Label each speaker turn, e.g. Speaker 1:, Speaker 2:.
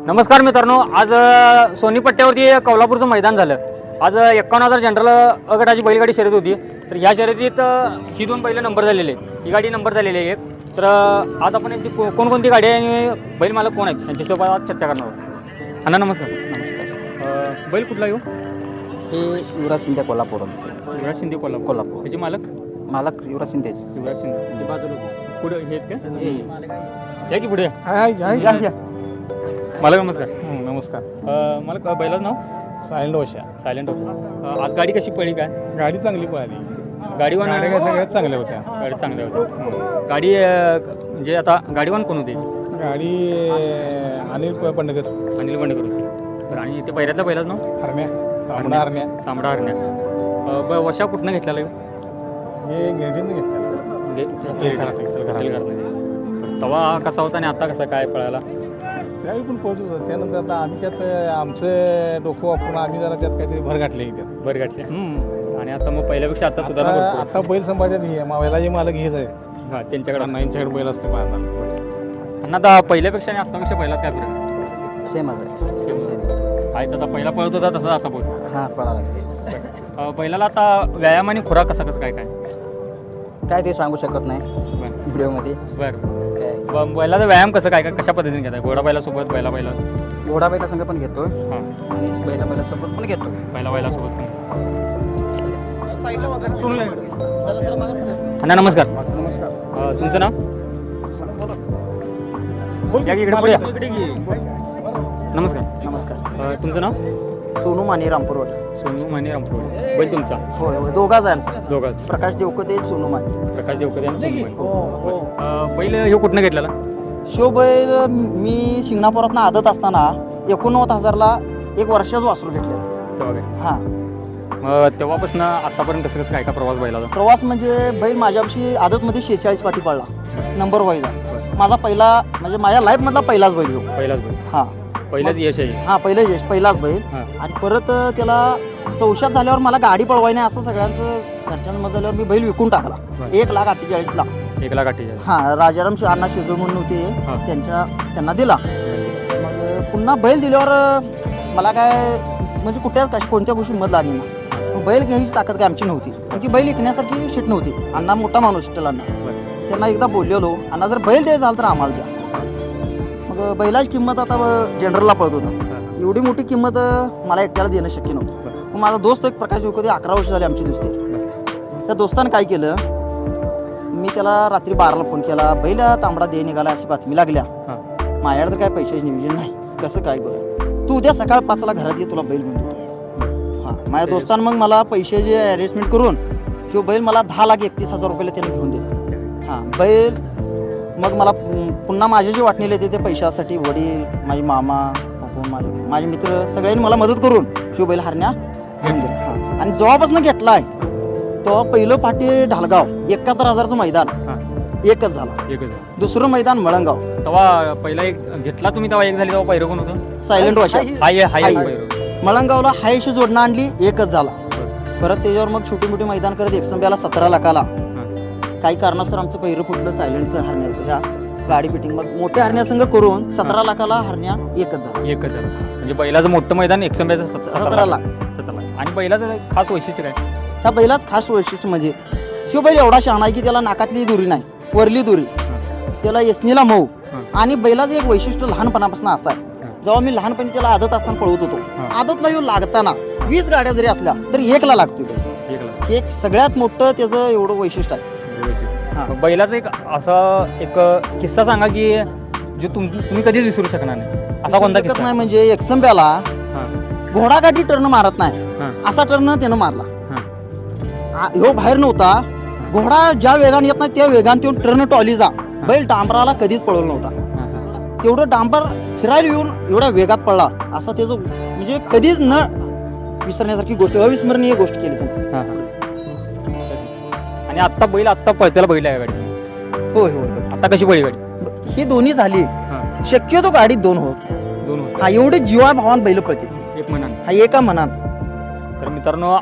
Speaker 1: नमस्कार मित्रांनो, आज सोनी पट्ट्यावरती कोल्हापूरचं मैदान झालं. आज 51,000 जनरल अ गटाची बैलगाडी शर्यत होती. तर ह्या शर्यतीत ही दोन बैल नंबर झालेले, ही गाडी नंबर झालेली आहे एक. तर आज आपण यांची कोणकोणती गाडी आहे आणि बैल मालक कोण आहेत यांच्यासोबत आज चर्चा करणार आहोत. अण्णा नमस्कार.
Speaker 2: नमस्कार.
Speaker 1: बैल कुठला येऊ?
Speaker 2: हे युवराज शिंदे कोल्हापूरचे.
Speaker 1: युवराज शिंदे कोल्हापूर. ह्याचे मालक
Speaker 2: मालक युवराज शिंदेच.
Speaker 1: युवराज शिंदे बाजूला पुढे हे का? या की पुढे या. मालक नमस्कार.
Speaker 3: नमस्कार.
Speaker 1: मालक बैलाचं नाव?
Speaker 3: सायलेंट ओशा.
Speaker 1: सायलेंट होतं. आज गाडी कशी पडली काय?
Speaker 3: गाडी चांगली पळाली.
Speaker 1: गाडीवान
Speaker 3: गाड्या सगळ्यात चांगल्या होत्या.
Speaker 1: गाडी चांगल्या होत्या. गाडी म्हणजे आता गाडीवान कोण होते?
Speaker 3: गाडी अनिल पंडकर.
Speaker 1: अनिल बंडेकर होते. तर आणि ते पहिल्यातल्या पहिलाच नाव?
Speaker 3: हरण्या. तांबडा हरण्या.
Speaker 1: तांबडा हरण्या. वशा कुठनं घेतलेला आहे?
Speaker 3: हे गिरडीनं घेतलेलं.
Speaker 1: तवा कसा होता आणि आता कसा काय पळायला?
Speaker 3: त्यावेळी पण पोहोचत होतं. त्यानंतर आता आम्ही त्यात आमचं डोकं वापरून आम्ही जरा त्यात काहीतरी भर घातले त्यात.
Speaker 1: बरं गाठले. आणि आता मग पहिल्यापेक्षा आता सुधारणा भरपूर आहे.
Speaker 3: आता बैल संभाळतात हे मावायला जे मालक हेच आहे.
Speaker 1: हां, त्यांच्याकडे
Speaker 3: यांच्याकडे बैल असतो पाहणार.
Speaker 1: आणि आता पहिल्यापेक्षा आणि आत्तापेक्षा पहिला काय फरक?
Speaker 2: सेमच आहे. सेम.
Speaker 1: आहे तसा पहिला पळत होता तसा आता पळतो.
Speaker 2: हां पळाला.
Speaker 1: पहिल्याला आता व्यायाम आणि खुराक कसा कसं काय काय?
Speaker 2: काय ते सांगू शकत नाही व्हिडिओमध्ये.
Speaker 1: बरं.
Speaker 2: काय
Speaker 1: बैलाचा व्यायाम कसं काय काय कशा पद्धतीने घेताय? घोडा बैलासोबत बैला
Speaker 2: घोडा बैला संघ पण घेतो
Speaker 1: हां,
Speaker 2: आणि बैला सोबत पण घेतो.
Speaker 1: बैलासोबत पण. अण्णा नमस्कार.
Speaker 3: नमस्कार.
Speaker 1: तुमचं नाव? या की इकडे पुढे या. नमस्कार.
Speaker 2: नमस्कार.
Speaker 1: तुमचं नाव?
Speaker 2: सोनू माने रामपूरवाड.
Speaker 1: सोनू माने रामपूर. बैल तुमचा?
Speaker 2: होय होय दोघाच आहे आमचा.
Speaker 1: दोघा
Speaker 2: प्रकाश देवकते सोनू माने.
Speaker 1: प्रकाश देवकते आणि सोनू माने. बैल ह्यो कुठनं घेतलेला?
Speaker 2: शो बैल मी शिंगणापुरातनं आदत असताना 89,000ला एक वर्षाच वासरू घेतलेलं.
Speaker 1: तेव्हा काय?
Speaker 2: हां.
Speaker 1: मग तेव्हापासून आतापर्यंत कसं कसं काय का प्रवास बैलाचा?
Speaker 2: प्रवास म्हणजे बैल माझ्यापाशी आदतमध्ये 46 पाठी पडला नंबर वाईज. माझा पहिला म्हणजे माझ्या लाईफमधला पहिलाच बैल हो.
Speaker 1: पहिलाच बैल.
Speaker 2: हां
Speaker 1: पहिलाच यश आहे.
Speaker 2: हां पहिलाच बैल.
Speaker 1: हां.
Speaker 2: आणि परत त्याला चौशात झाल्यावर मला गाडी पळवाय नाही असं सगळ्यांचं घरच्यांचं मत झाल्यावर मी बैल विकून टाकला.
Speaker 1: बरं.
Speaker 2: 1,48,000ला.
Speaker 1: 1,48,000.
Speaker 2: हां राजाराम अण्णा शेजूळ म्हणून होते
Speaker 1: हां.
Speaker 2: त्यांना दिला. मग पुन्हा बैल दिल्यावर मला काय म्हणजे कोणत्या गोष्टी मत लागली ना. मग बैल घ्यायची ताकद काय आमची नव्हती. पण ती बैल विकण्यासारखी शिट नव्हती. अण्णा मोठा माणूस शिटेल अण्णा. त्यांना एकदा बोललेलो, अण्णा जर बैल द्यायचं झालं तर आम्हाला द्या. मग बैलाची किंमत आता जनरलला पळत होता. एवढी मोठी किंमत मला एकट्याला देणं शक्य नव्हतं. मग माझा दोस्त एक प्रकाश होते 11 वर्ष झाले आमची दोस्ती. त्या दोस्तानं काय केलं, मी त्याला रात्री 12ला फोन केला, बैल तांबडा दे निघाला अशी बातमी लागल्या. माझ्याकडे तर काय पैशाची नियोजन नाही, कसं काय बरं, तू उद्या सकाळ 5ला घरात ये, तुला बैल घेऊन देतो. हां माझ्या दोस्तानं मग मला पैशाची अरेंजमेंट करून किंवा बैल मला 10,31,000 रुपयाला त्याने घेऊन दिले. हां बैल मग मला पुन्हा माझे जे वाटणीले ते पैशासाठी वडील, माझे मामा, माझे मित्र सगळ्यांनी मला मदत करून शिवबैल हरण्या घेऊन दिला. हां आणि जेव्हापासून घेतला आहे तेव्हा पहिलं पाठी ढालगाव 71,000चं मैदान एकच झाला. दुसरं मैदान मळंगाव.
Speaker 1: तेव्हा पहिला एक घेतला तुम्ही, तेव्हा एक झाली, तेव्हा पहिलं कोण होतं?
Speaker 2: सायलेंट वाशा.
Speaker 1: हाय.
Speaker 2: मळंगावला हायशी जोडणं आणली, एकच झाला. परत त्याच्यावर मग छोटी मोठी मैदान करत एकसंब्याला 17 लाखाला काही कारणास्तव आमचं पहिरं फुटलं सायलेंटचं हरण्याचं. ह्या गाडी फिटिंग मग मोठ्या हरण्यासंघ करून 17 लाखाला हरण्या एकच झाला.
Speaker 1: म्हणजे बैलाचं मोठं मैदान एकसंब्याचं
Speaker 2: 17 लाख.
Speaker 1: 17 लाख. आणि बैलाचं खास वैशिष्ट्य काय?
Speaker 2: ह्या बैलाच खास वैशिष्ट्य म्हणजे शिवबैल एवढा शहाणा आहे की त्याला नाकातली दुरी नाही, वरली दुरी, त्याला यसनीला मऊ. आणि बैलाचं एक वैशिष्ट्य लहानपणापासून असं आहे, जेव्हा मी लहानपणी त्याला आदत असताना पळवत होतो, आदतला येऊ लागताना 20 गाड्या जरी असल्या तरी 1ला लागतो. हे एक सगळ्यात मोठं त्याचं एवढं वैशिष्ट्य आहे.
Speaker 1: बैलाचा एक असा एक किस्सा सांगा की जो तुम्ही कधीच विसरू शकणार नाही, असा कोणता किस्सा?
Speaker 2: नाही म्हणजे एकसंब्याला घोडागाठी टर्न मारत नाही, असा टर्न त्यानं मारला. ह्यो बाहेर नव्हता, घोडा ज्या वेगाने येत नाही त्या वेगाने तो टर्न टॉलीचा बैल डांबराला कधीच पळवला नव्हता. तेवढं डांबर फिरायला येऊन एवढ्या वेगात पडला, असा त्याचं म्हणजे कधीच न विसरण्यासारखी गोष्ट, अविस्मरणीय गोष्ट केली त्याने.
Speaker 1: आणि आत्ता पळत्याला बैल आहे गाडी?
Speaker 2: होय होय.
Speaker 1: आता कशी पळली गाडी?
Speaker 2: ही दोन्ही झाली, शक्यतो गाडीत दोन होत. हा एवढे जीवा भावान बैल पळते,
Speaker 1: एक मनान.
Speaker 2: हा एका मनान.
Speaker 1: तर मित्रांनो